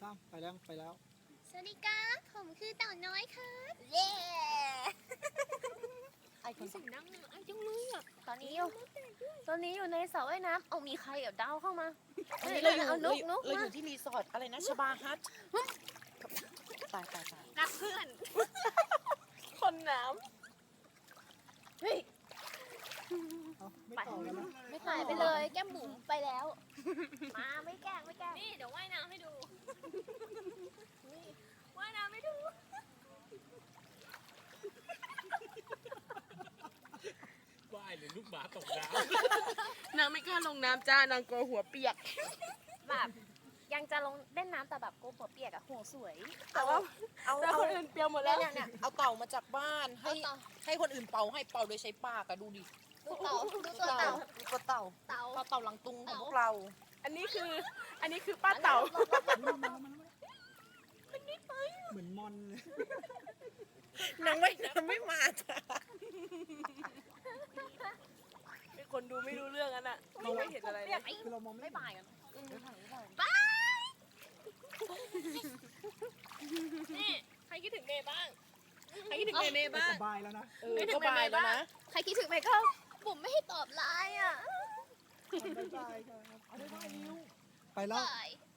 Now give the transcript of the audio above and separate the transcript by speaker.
Speaker 1: 3ไปแล้วไปแล้ว
Speaker 2: สวัสดีครับผมคือเต่าน้อยครับเย้
Speaker 3: ไอ้คน
Speaker 2: เสียงดังไอ้จังเลยอ่ะ
Speaker 3: ตอนนี้อยู่ในสระว่ายน้ำเอามีใครเอาดาวเข้ามา
Speaker 4: อันนี้เราอยู่
Speaker 3: เอานุก
Speaker 4: เรา
Speaker 3: มา
Speaker 4: อยู่ที่รีสอร์ทอะไรนะชบาฮัทตาย
Speaker 2: รักเพื่อน
Speaker 4: คนน้
Speaker 3: เฮ้ย
Speaker 1: เอาไม่ต่อแล้วนะ
Speaker 3: ไม่หายไปเลยแก้มบุ๋มไปแล้ว มาไม่แกล้ง
Speaker 2: นี่เดี๋ยวว่ายน้ำให้ดูว่ายน้ำให้ดู
Speaker 5: ว่ายหรือลูกหมาตกน้
Speaker 4: ำนางไม่กล้าลงน้ำจ้านางกลัวหัวเปียก
Speaker 3: แบบยังจะลงเล่นน้ำแต่แบบโกหัวเปียกอะหัวสวย
Speaker 4: แต่ว่าเอา
Speaker 3: แต่คนอื่นเปียกหมดแล้ว
Speaker 4: เนี่ยเอาเต่ามาจากบ้านให้
Speaker 3: เอาเต่า
Speaker 4: ให้คนอื่นเป่าให้เป่าโดยใช้ปากอะดูดิ
Speaker 3: ดูเต่าดูตัวเต่า
Speaker 4: ดูตัวเต่า
Speaker 3: เต่า
Speaker 4: เต่าหลังตุงของพวกเรา
Speaker 6: อันนี้คือป้าเต่า
Speaker 1: เหมือนมอนเลย
Speaker 4: นางไม่น้ำไม่มาจ้ะ
Speaker 6: เป็นคนดูไม่รู้เรื่องอันน่ะมองไม่เห็นอะไรเลย
Speaker 1: คือเรามองไม่
Speaker 3: ไม่
Speaker 1: เห็น
Speaker 3: บ่ายกัน
Speaker 2: นี่ใครคิดถึงเมย์บ้าง
Speaker 6: ใครคิดถึงเมย์บ้าง
Speaker 1: สบายแล้วนะ
Speaker 6: ไม่ถึง
Speaker 4: ก็บายแล้วนะ
Speaker 3: ใครคิดถึงไหมก็บุ๋มไม่ให้ตอบไลน์อะ
Speaker 1: บ๊ายบายครับไปแล้ว
Speaker 3: บาย